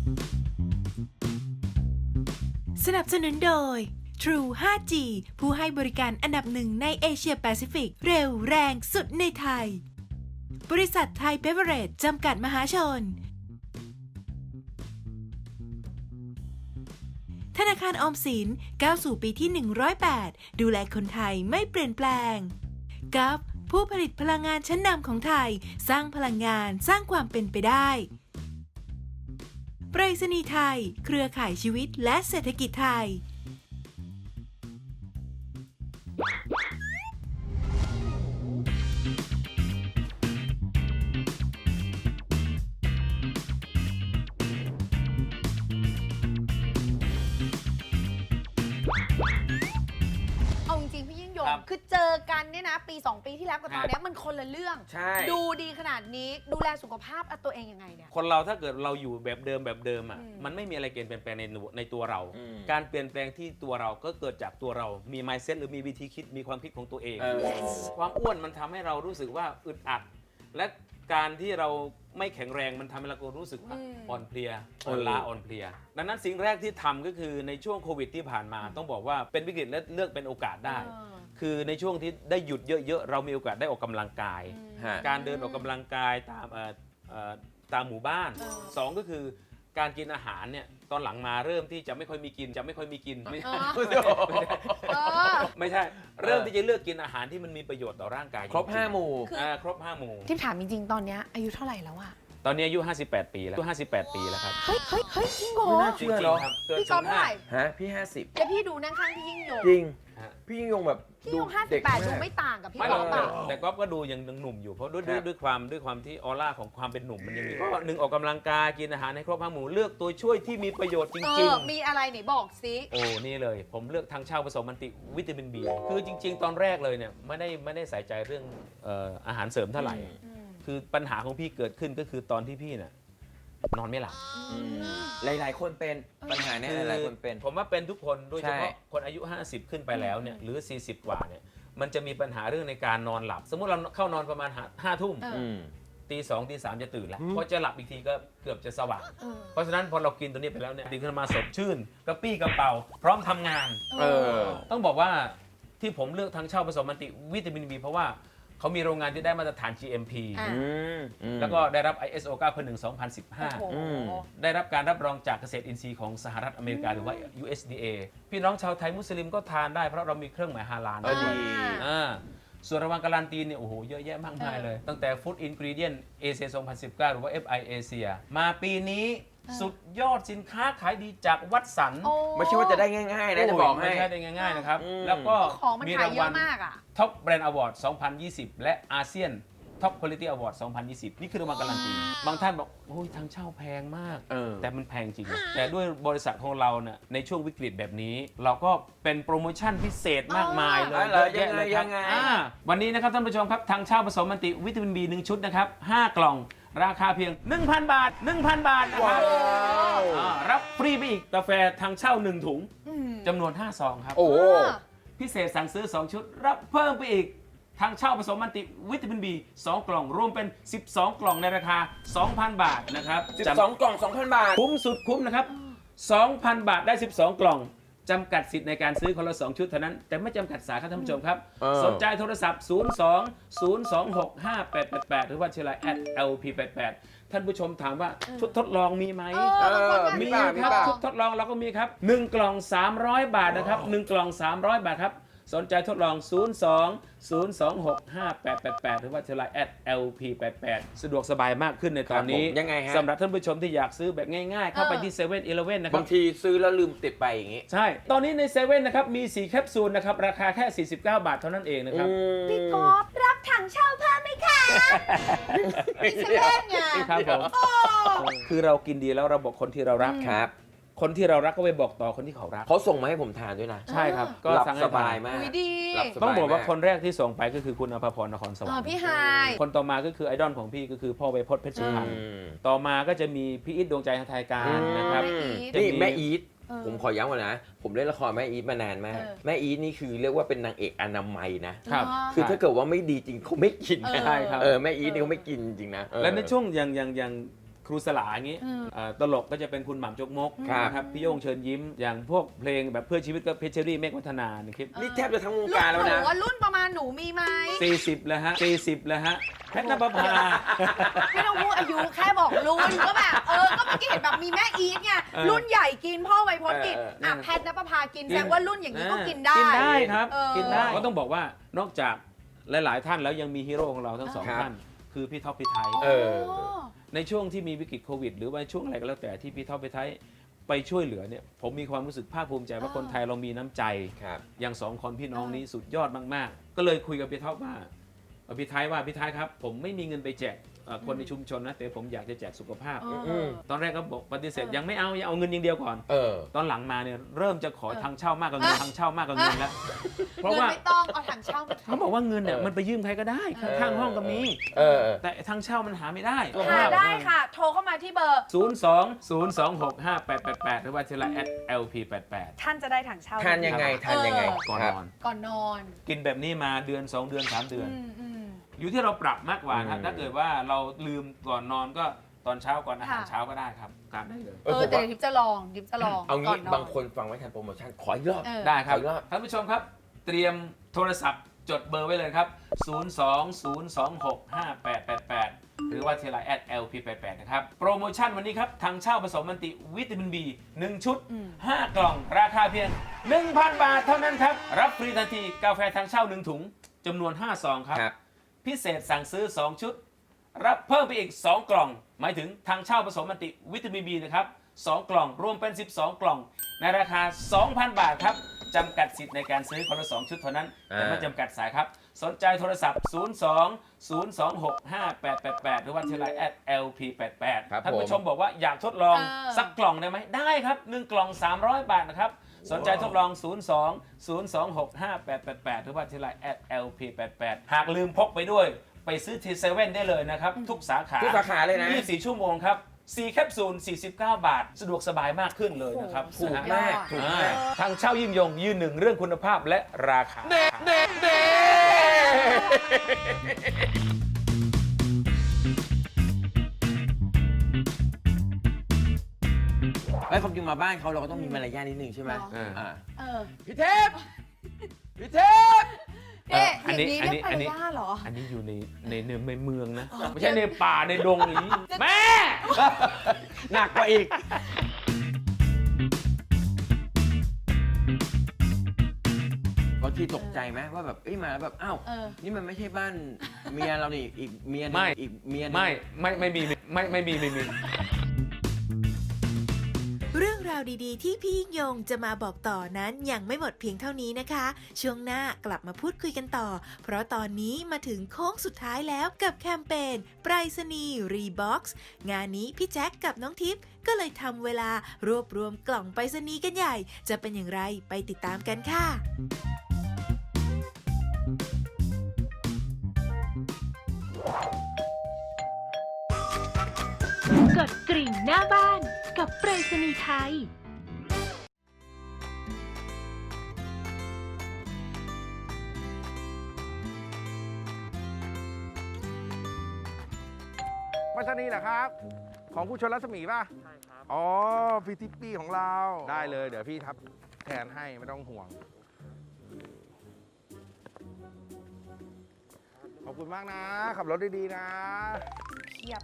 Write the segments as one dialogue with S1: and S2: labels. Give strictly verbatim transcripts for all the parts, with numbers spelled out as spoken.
S1: สนับสนุนโดย True ไฟว์ จี ผู้ให้บริการอันดับหนึ่งในเอเชียแปซิฟิก เร็วแรงสุดในไทย บริษัทไทยเบเวอเรจจำกัดมหาชน ธนาคารออมสินก้าวสู่ปีที่ หนึ่งร้อยแปด ดูแลคนไทยไม่เปลี่ยนแปลงกัฟผู้ผลิตพลังงานชั้นนำของไทยสร้างพลังงานสร้างความเป็นไปได้ไปรษณีย์ไทยเครือข่ายชีวิตและเศรษฐกิจไทย
S2: เอาจริงๆพี่ยิ่งยง
S3: ครับ
S2: คือเจอกันเนี่ยนะปีสองปีที่แล้วกับตอน
S3: ครับ
S2: เนี้ยมันคนละเรื่อง
S3: ใช่
S2: ดูดีขนาดนี้ดูแลสุขภาพตัวเองยังไงเนี่ย
S3: คนเราถ้าเกิดเราอยู่แบบเดิมแบบเดิมอ่ะ
S2: อืม
S3: มันไม่มีอะไรเปลี่ยนแปลงในในตัวเรา
S4: อืม
S3: การเปลี่ยนแปลงที่ตัวเราก็เกิดจากตัวเรา มี mindset หรือมีวิธีคิดมีความคิดของตัวเอง
S4: เออ
S3: ความอ้วนมันทำให้เรารู้สึกว่าอึดอัด และการที่เราไม่แข็งแรงมันทำให้เรารู้สึกว่า
S2: อืม
S3: อ่อนเพลียอ่อนล้าอ่อนเพลีย ดังนั้นสิ่งแรกที่ทำก็คือในช่วงโควิดที่ผ่านมา ต้องบอกว่าเป็นวิกฤตและเลือกเป็นโอกาสได้
S2: เออ
S3: คือในช่วงที่ได้หยุดเยอะๆเรามีโอกาสได้ออกกำลังกาย
S2: อืม
S4: ฮะ
S3: การเดินออกกำลังกายตามเอ่อเอ่อตามหมู่บ้าน
S2: เออ
S3: สองก็คือการกินอาหารเนี่ยตอนหลังมาเริ่มที่จะไม่ค่อยมีกินจะไม่ค่อยมีกินไม่
S2: เอ
S3: ใช่
S2: อเออ
S3: ไม่ใช่ เริ่มที่จะเลือกกินอาหารที่มันมีประโยชน์ต่อร่างกาย
S4: ครบ
S3: จงๆ
S4: ห้าหมู่
S2: คือ
S3: อ่าครบห้าหมู่
S2: ที่ถามจริงๆ ตอนเนี้ยอายุเท่าไหร่แล้วอะ
S3: ตอนนี้อายุห้าสิบแปดปีแล้วอายุห้าสิบแปดปีแล้วครับ
S2: เฮ้ยเฮ้ยเฮ้ยจริงเหรอ
S4: ไม่น่า
S3: จ
S4: เชื่
S3: ริ
S4: อง เนอะ
S3: ๆครับเกิด
S2: พี่ก๊อฟเท่าไหร่
S4: ฮะ พี่ห้าสิบ
S2: แล้วพี่ดูนั่งข้างพี่ยิ่งยง
S4: จริง
S3: ฮะ
S4: พี่ยิ่งยงแบบ
S2: พี่ยงห้าสิ
S4: เด็
S2: บ
S4: ก
S2: แปด
S4: มาก
S2: ดูไม่ต่างกับพี่
S3: ไม่หร
S2: ก๊
S3: อ
S2: อก ฟ
S3: แต่
S2: อะ
S3: แต่ก๊อฟก็ดูยังหนุ่มอยู่เพราะด้วยด้วย
S4: ครับ
S3: ด้วยความด้วยความที่ออร่าของความเป็นหนุ่มมันยังมีก็หนึ่งออกกำลังกายกินอาหารในครบห้าหมู่เลือกตัวช่วยที่มีประโยชน์จ
S2: เอ
S3: ริง
S2: อ
S3: ๆ
S2: มีอะไรไหนบอกสิ
S3: โอ้ นี่เลย ผมเลือกทางเช่าผสมมันติวิตามินบีคือจริง ๆ ตอนแรกเลยเนี่ยไม่ได้ไม่ได้ใส่ใจเรื่องเอ่ออาหารเสริมเท่าไหร่
S2: อืม
S3: คือปัญหาของพี่เกิดขึ้นก็คือตอนที่พี่เนี่ยนอนไม่หลับ
S4: อืมหลาย ๆ คนเป็นปัญหาเนี้ยหลายๆคนเป็น
S3: ผมว่าเป็นทุกคนโดยเฉพาะ
S4: ใช่
S3: คนอายุ ห้าสิบ ขึ้นไปแล้วเนี่ยหรือ สี่สิบ กว่าเนี่ยมันจะมีปัญหาเรื่องในการนอนหลับ สมมุติเราเข้านอนประมาณห้าทุ่ม
S2: เออ
S4: อืม
S3: ตีสองตีสามจะตื่นแล้ว
S4: อืม
S3: พอจะหลับอีกทีก็เกือบจะสว่าง
S2: เออ
S3: เพราะฉะนั้นพอเรากินตัวนี้ไปแล้วเนี่ยตื่นขึ้นมาสดชื่นกระปี้กระเป๋าพร้อมทำงาน
S4: เออ
S3: ต้องบอกว่าที่ผมเลือกทางเช่าผสมมันติวิตามินบีเพราะว่าเขามีโรงงานที่ได้มาตรฐาน จี เอ็ม พี
S2: อ่ะ
S4: อืมอืม
S3: แล้วก็ได้รับ ไอ เอส โอ เก้าพันหนึ่ง สองพันสิบห้า
S2: โอ้โห
S4: อืม
S3: ได้รับการรับรองจากเกษตรอินทรีย์ของสหรัฐอเมริกาหรือว่า ยู เอส ดี เอ พี่น้องชาวไทยมุสลิมก็ทานได้เพราะเรามีเครื่องหมายฮาลาล
S4: เออดี
S3: อ่าส่วนรางวัลการันตีเนี่ยโอ้โหเยอะแยะมากมาย
S2: เออ
S3: เลย ตั้งแต่ Food Ingredient เอเชีย สองพันสิบเก้า หรือว่า เอฟ ไอ Asia มาปีนี้สุดยอดสินค้าขายดีจากวัดสัน
S2: โอ้
S4: ไม่ใช่ว่าจะได้ง่าย ๆ นะจะบอกให้
S3: ไม่ใช่ได้ง่ายๆนะครับ
S4: อืม
S3: แล้วก็
S2: ของมัน
S3: มี
S2: ขาย
S3: ราง
S2: เย
S3: วัล
S2: อะมากอะ
S3: ท็อปแบรนด์อวอร์ด สองพันยี่สิบ และอาเซียนท็อปคุณภาพอวอร์ด สองพันยี่สิบ นี่คือรางวัลการันตี บางท่านบอกโอ้ยทางเช่าแพงมาก
S4: เออ
S3: แต่มันแพงจริงนะแต่ด้วยบริษัทของเราเนี่ยในช่วงวิกฤตแบบนี้ เราก็เป็นโปรโมชั่นพิเศษมากมายเลย
S4: อ๋อเหรอ
S3: เยอะแยะเลยค
S4: ยั
S3: รับ
S4: งไง
S3: อ่าวันนี้นะครับท่านผู้ชมครับทางเช่าผสมมันติวิตามิน บี หนึ่ง ชุดนะครับห้ากล่องราคาเพียง หนึ่งพัน บาท หนึ่งพัน บาทนะครับ
S4: ว้าว
S3: อ่ารับฟรีไปอีกกาแฟทางเช่าหนึ่งถุง
S2: อืม
S3: จำนวนห้าซองครับ
S4: โอ้โห
S3: พิเศษสั่งซื้อ สอง ชุด รับเพิ่มไปอีก ทางเช่าผสมมันติวิตามินบีสองกล่อง รวมเป็น สิบสอง กล่องในราคา สองพัน บาทนะครับ
S4: สิบสอง กล่อง สองพัน บาท
S3: คุ้มสุดคุ้มนะครับ สองพัน บาทได้ สิบสอง กล่อง จำกัดสิทธิ์ในการซื้อคนละ สอง ชุดเท่านั้น แต่ไม่จำกัดสายครับท่านผู้ชมครับ
S4: เออ
S3: สนใจโทรศัพท์ ศูนย์ สอง ศูนย์ สอง หก ห้า แปด แปด แปด หรือว่าเชลไลน์ แอท แอล พี แปด แปด ท่านผู้ชมถามว่าชุดทดลองมีไหม
S2: เออบางคน
S3: มี
S2: ก็
S4: มี
S3: ครับ
S4: ป่ะ
S3: ชุดทดลองเราก็มีครับหนึ่งกล่อง สามร้อย บาทนะครับหนึ่งกล่อง สามร้อย บาทครับ สนใจทดลอง ศูนย์ สอง ศูนย์ สอง หก ห้า แปด แปด แปด หรือว่าเชลไลน์ แอท แอล พี แปด แปด สะดวกสบายมากขึ้นในตอนนี้
S4: ครับผมยังไงฮะ
S3: สำหรับท่านผู้ชมที่อยากซื้อแบบง่ายๆ เข้าไปที่เซเว่นอีเลฟเว่นนะครั
S4: บา
S3: บ
S4: งทีซื้อแล้วลืมติดไปอย่างงี้
S3: ใช่ ตอนนี้ในเซเว่นนะครับมีสี่แคปซูลนะครับราคาแค่ สี่สิบเก้า บาทเท่านั้นเองนะครับ
S2: พี่ก๊อฟรับถังเช่าเพิ่มไหมคะพี่เซเว่นไง
S3: ครับผมคือเรากินดีแล้วเราบอกคนที่เรารัก
S4: ครับ
S3: คนที่เรารักก็ไปบอกต่อคนที่เขารัก
S4: เขาส่งมาให้ผมทานด้วยนะ
S3: ใช่ครับ ก็
S4: หลับ
S3: สั่งให้
S4: ส
S3: ทา
S4: บาย
S3: น
S4: มาก
S2: อุ้ยดี
S4: หลับสบาย
S3: ต้องบอกว่า
S4: มา
S3: คนแรกที่ส่งไปก็คือคุณอภพรนครสวร
S2: เอ
S3: ร
S2: อ
S3: ค์
S2: พี่ไฮาย
S3: คนต่อมาก็คือไอดอลของพี่ก็คือพ่อไวยพจน์เพชรสุพรรณ
S4: อืม
S3: ต่อมาก็จะมีพี่อิทดวงใจไทยการนะครับ
S2: แม่อีท
S3: จะมี
S4: นี่แม่อีท
S2: เออ
S4: ผมขอย้ำก่อนนะ ผมเล่นละครแม่อีทมานานมาก
S2: เออ
S4: แม่อีทนี่คือเรียกว่าเป็นนางเอกอนามัยนะ
S3: ครับ
S4: คือถ้าเกิดว่าไม่ดีจริงเขาไม่กินนะ
S3: ใช่ครับ
S4: เออแม่อีทนี่เขาไม่กินจริงๆนะเออ
S3: และในช่วงอย่างอย่างอย่างครูสลาอย่างนี้เอ่อตลกก็จะเป็นคุณหม่ำจกมก
S4: ครับ
S3: นะครับพี่โย่งเชิญยิ้มอย่างพวกเพลงแบบเพื่อชีวิตก็เพชรเชอรี่เมฆวัฒนาในคลิป
S4: นี่แทบจะทั้งวง
S2: รุ่
S4: การ
S2: น
S4: แล้ว
S2: หนู
S4: นะ
S2: ว่ารุ่นประมาณหนูมีไหม
S3: สี่สิบแล้วฮะสี่สิบแล้วฮะแพทย์นภพา
S2: ไม่ต้องพูดอายุแค่บอกรุ่นก็แบบเออก็เมื่อกี้เห็นแบบมีแม่อีทไง
S3: เออ
S2: รุ่นใหญ่กินพ่อไวพจน์กิน
S4: เออเออ
S2: อ่ะแพทย์นภพากิน
S3: กิน
S2: แสดงว่ารุ่นอย่างนี้ก็กินได้
S3: กินได้ครับ
S2: เออ
S3: กินได้ก็ต้องบอกว่านอกจากหลาย ๆ ท่านแล้วยังมีฮีโร่ของเราทั้งสอง
S4: ครับ
S3: ท่าน คือพี่ท็อปพี่ไทย
S4: เออ
S3: ในช่วงที่มีวิกฤตโควิด หรือว่าช่วงอะไรก็แล้วแต่ที่พี่ท็อปพี่ไทยไปช่วยเหลือเนี่ยผมมีความรู้สึกภาคภูมิใจว่าคนไทยเรามีน้ำใจ
S4: ครับ
S3: อย่างสองคนพี่น้องนี้สุดยอดมาก ๆ ก็เลยคุยกับพี่ท็อปว่าเอ่อพี่ไทยว่าพี่ไทยครับผมไม่มีเงินไปแจกเอ่อคนในชุมชนนะแต่ผมอยากจะแจกสุขภาพ
S2: เออ
S3: ตอนแรกก็บอกปฏิเสธ
S2: เออ
S3: ยังไม่เอายังเอาเงินอย่างเดียวก่อน
S4: เออ
S3: ตอนหลังมาเนี่ยเริ่มจะขอทางเช่ามากกว่าเงินทางเช่ามากกว่าเงินแล้วเพราะ
S2: เงิน
S3: ว่า
S2: ไม่ต้องเอาถังเช่ามา
S3: เขาบอกว่าเงินเนี่ย
S4: เออ
S3: มันไปยืมใครก็ได้
S2: เออ
S3: ข้างๆห้องก็มี
S4: เออ
S3: แต่ทางเช่ามันหาไม่ได้
S2: หาได้ค่ะ โทรเข้ามาที่เบอร์
S3: ศูนย์ สอง ศูนย์ สอง หก ห้า แปด แปด แปดหรือว่าทีละ at แอล พี แปด แปด
S2: ท่านจะได้ถังเช่า
S4: ทานยังไงทานยังไง
S3: ก่อน
S4: ครับ
S3: นอน
S2: ก่อนนอน
S3: กินแบบนี้มาเดือนสองเดือนสามเดือน
S2: อืมอืม
S3: อยู่ที่เราปรับมากกว่าครับ
S4: อืม
S3: ถ้าเกิดว่าเราลืมก่อนนอนก็ตอนเช้าก่อนอาหาร
S2: ค่ะ
S3: เช้าก็ได้ครับตามได้เลย
S2: เออแต่เดี๋ยวทิพย์จะลองทิพย์จะลอง
S4: เอา
S2: ก่
S4: งี้
S2: นน
S4: บางคนฟังไว้ทันโปรโมชั่นขออีกรอบ
S2: เออ
S3: ได้ครับ
S4: ขออีกรอบ
S3: ท่านผู้ชมครับ เตรียมโทรศัพท์จดเบอร์ไว้เลยครับ ศูนย์ สอง ศูนย์ สอง หก ห้า แปด แปด แปด หรือว่าเทลา at แอล พี แปด แปด นะครับ โปรโมชั่นวันนี้ครับทางเช่าผสมมันติวิตามิน B หนึ่ง ชุด
S2: อืม
S3: ห้า กล่อง ราคาเพียง หนึ่งพัน บาทเท่านั้นครับ รับฟรีทันทีกาแฟทางเช่าหนึ่งถุงจำนวนห้าซองครับ
S4: ครับ
S3: พิเศษสั่งซื้อ สอง ชุด รับเพิ่มไปอีก สอง กล่อง หมายถึงทางเช่าผสมมันติวิตามิน B นะครับสอง กล่อง รวมเป็น สิบสอง กล่อง ในราคา สองพัน บาทครับจำกัดสิทธิ์ในการซื้อคนละสองชุดเท่านั้น แต่ไม่จำกัดสายครับ สนใจโทรศัพท์ ศูนย์ สอง ศูนย์ สอง หก ห้า แปด แปด แปด หรือว่าที่ไลน์ แอท แอล พี แปด แปด
S4: ครับ
S3: ท่านผู้
S4: ผม
S3: ชมบอกว่าอยากทดลอง
S2: เออ
S3: สักกล่องได้ไหม ได้ครับหนึ่งกล่อง สามร้อย บาทนะครับ สนใจทดลอง ศูนย์ สอง ศูนย์ สอง หก ห้า แปด แปด แปด หรือว่าที่ไลน์ แอท แอล พี แปด แปด หากลืมพกไปด้วย ไปซื้อที่เซเว่นได้เลยนะครับ ทุกสาขา
S4: ทุกสาขาเลยนะ
S3: ยี่สิบสี่ ชั่วโมงครับสี่แคปซูล สี่สิบเก้า บาท สะดวกสบายมากขึ้นเลยนะครับ
S4: ถูก
S3: นะฮะ
S4: มากถูกมาก
S3: ทางเช่ายิ่งยงยืนหนึ่งเรื่องคุณภาพและราคา
S4: เด็ดเด็ดเด็ไอ้ยความจริงมาบ้านเขาเราก็ต้องมีมารยาทนิดนึงใช่ไหม
S2: หรอ
S3: เอออ่
S4: า
S2: เออ
S4: พี่เทพพี่เทพ
S2: เอ๊ะ
S3: อันนี้
S2: อย่างนี้
S3: อัน
S2: เรี
S3: นี้
S2: ยกภรรยาเหรอ
S3: อันนี้อยู่ในในในในเมืองนะ ไม่ใช่ในป่าในดงอย่างนี้ แม่
S4: หนักกว่าอีก บางทีตกใจไหมว่าแบบเอ้ยมาแล้วแบบอ้าว
S2: เออ
S4: นี่มันไม่ใช่บ้านเมียเรานี่อีกเมียหนึง
S3: ไม่
S4: อีกเมียหนึง
S3: ไม่ไม่ไม่มีไม่ไม่มีไม่มี
S1: เรื่องราวดีๆ ที่พี่ยิ่งยงจะมาบอกต่อนั้นยังไม่หมดเพียงเท่านี้นะคะ ช่วงหน้ากลับมาพูดคุยกันต่อ เพราะตอนนี้มาถึงโค้งสุดท้ายแล้วกับแคมเปญไปรษณีย์รีบ็อกซ์งานนี้พี่แจ็คกับน้องทิพย์ก็เลยทำเวลารวบรวมกล่องไปรษณีย์กันใหญ่ จะเป็นอย่างไรไปติดตามกันค่ะ
S5: กดกริ่งหน้าบ้านกับไปรษณีย์ไทย
S6: ไปรษณีย์เหรอครับ ของคุณชนรัศมีป่ะ ใช่ครับ อ๋อ พี่ทิปปี้ของเรา ได้เลย เดี๋ยวพี่ทับแทนให้ไม่ต้องห่วง ขอบคุณมากนะ ขับรถดีๆนะ
S2: เทียบ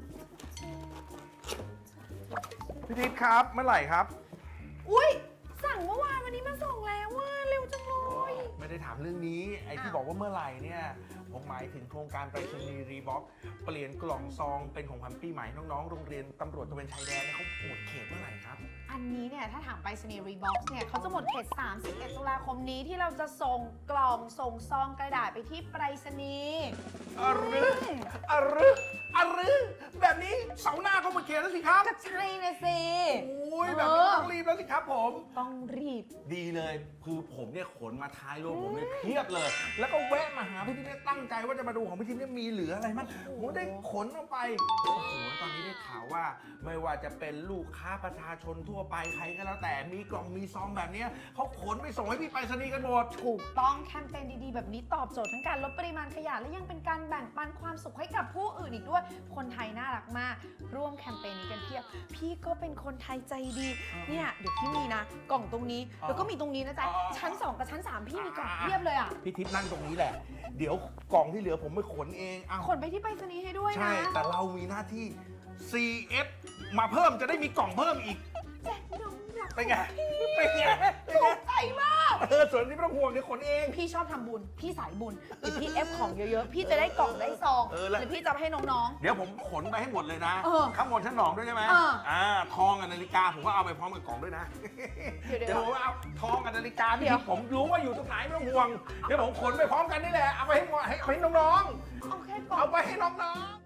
S6: พี่ทิพย์ครับ เมื่อไหร่ครับ
S2: อุ้ยสั่งเมื่อวานวันนี้มาส่งแล้วว่าเร็วจังเลย
S6: ไม่ได้ถามเรื่องนี้ ไอ้ที่
S2: อ้าว
S6: บอกว่าเมื่อไหร่เนี่ย ผมหมายถึงโครงการไปรษณีย์รีบ็อกเปลี่ยนกล่องซองเป็นของขวัญปีใหม่น้องๆ โรงเรียนตำรวจตระเวนชายแดนเนี่ยเขาหมดเขตเมื่อไหร่ครับ
S2: อันนี้เนี่ยถ้าถามไปรษณีย์รีบ็อกซ์เนี่ยเขาจะหมดเขตสามสิบเอ็ดตุลาคมนี้ที่เราจะส่งกล่องส่งซองกระดาษไปที่ไปรษณีย์
S6: อะรึอะรึอะรึแบบนี้เสาร์หน้าก็หมดเขตแล้วสิครับ
S2: ก็ใช่นะสิ
S6: โอ้ยแบบนี้ต้องรีบแล้วสิครับผม
S2: ต้องรีบ
S6: ดีเลย คือผมเนี่ยขนมาท้ายรถผมเนี่ยเพียบเลย แล้วก็แวะมาหาพี่ทิพย์เนี่ยตั้งใจว่าจะมาดูของพี่ทิพย์เนี่ยมีเหลืออะไรมั้งผมได้ขนออกไปโอ้โหตอนนี้ได้ข่าวว่า ไม่ว่าจะเป็นลูกค้าประชาชนทั่วไปใครก็แล้วแต่มีกล่องมีซองแบบเนี้ยเขาขนไปส่งให้พี่ไปรษณีย์กันหมด
S2: ถูกต้องแคมเปญดีๆ แบบนี้ตอบโจทย์ทั้งการลดปริมาณขยะและยังเป็นการแบ่งปันความสุขให้กับผู้อื่นอีกด้วย คนไทยน่ารักมาก ร่วมแคมเปญนี้กันเพียบ พี่ก็เป็นคนไทยใจดี เนี่ยเดี๋ยวพี่มีนะ กล่องตรงนี้
S6: อ๋อ
S2: แล้วก็มีตรงนี้นะจ๊ะ
S6: อ๋อ
S2: ชั้นสองกับชั้นสามพี่มีกล่องเพียบเลยอ่ะ
S6: พี่ทิพย์นั่งตรงนี้แหละ เดี๋ยวกล่องที่เหลือผมไปขนเองเอา
S2: ขนไปที่ไปรษณีย์ให้ด้วยนะ
S6: ใช่แต่เรามีหน้าที่ ซี เอฟ มาเพิ่มจะได้มีกล่องเพิ่มอีก
S2: แจ็คน้องรัก
S6: เป็นไงเป็นไงเป็น
S2: ถู
S6: ไง
S2: กใจมาก
S6: เออส่วนนี้ไม่ต้องห่วงเดี๋ยวขนเอง
S2: พี่ชอบทำบุญ พี่สายบุญหรือพี่เอฟของเยอะๆ พี่จะได้กล่องได้ซอง
S6: เออแล้ว
S2: หรือพี่จะเอาไปให้น้อง
S6: เดี๋ยวผมขนไปให้หมดเลยนะ
S2: เออ
S6: ข้างบนชั้นสองด้วยใช่ไหม
S2: เออ
S6: อ่าทองกับนาฬิกาผมก็เอาไปพร้อมกับกล่องด้วยนะ
S2: เดี๋ยวๆ
S6: เดี๋ยวผมเอาทองกับนาฬิกา
S2: เดี๋
S6: พี่
S2: ยว
S6: ผมรู้ว่าอยู่ตรงไหนไม่ต้องห่วง เดี๋ยวผมขนไปพร้อมกันนี่แหละ เอาไปให้หมดให้ให้น้อง
S2: ๆ เอาแค่กล่
S6: ๆ
S2: อง
S6: เอาไปให้น้องๆ